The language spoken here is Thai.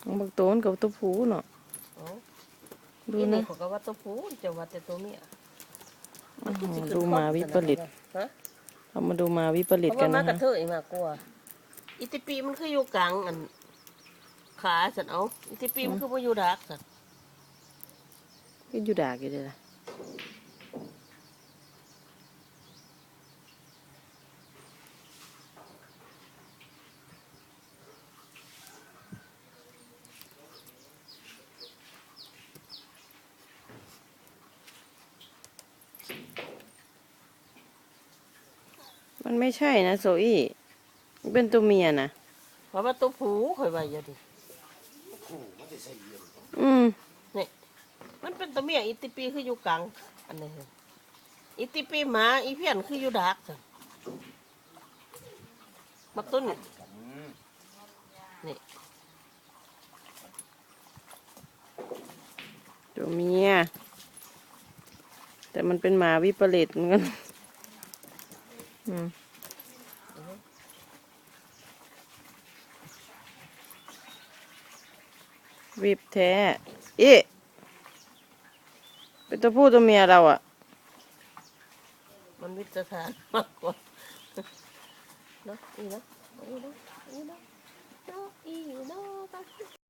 บักโตนกับตัวผู้เนาะดูนี่นะเขาก็ว่าตัวผู้จะว่าแต่ตัวเมียดูมาวิปริตฮะเรามาดูมาวิปริตเพราะกัว่าน มากระนะฮะเทยมากกว่าอิติปีมันคืออยู่กลางอันขาสันเอาอิติปีมันคือว่าอยู่ดักสันก็อยู่ดากอยู่เลยล่ะมันไม่ใช่นะโซอี้เป็นตัวเมียนะเพราะว่าตัวผู้คอยไว้อยู่ดิ นี่มันเป็นตัวเมียอิติปีคืออยู่กลางอันนี้อิติปีหมาอีเพี้ยนคืออยู่ดักสันบักต้นนี่ตัวเมียแต่มันเป็นหมาวิปริตเหมือนกันวิบแท้อีเป็นตัวผู้ตัวเมียเราอ่ะมันวิจารณ์มากกว่าเนาะอีเนาะอีเนาะอีเนาะอีเนาะ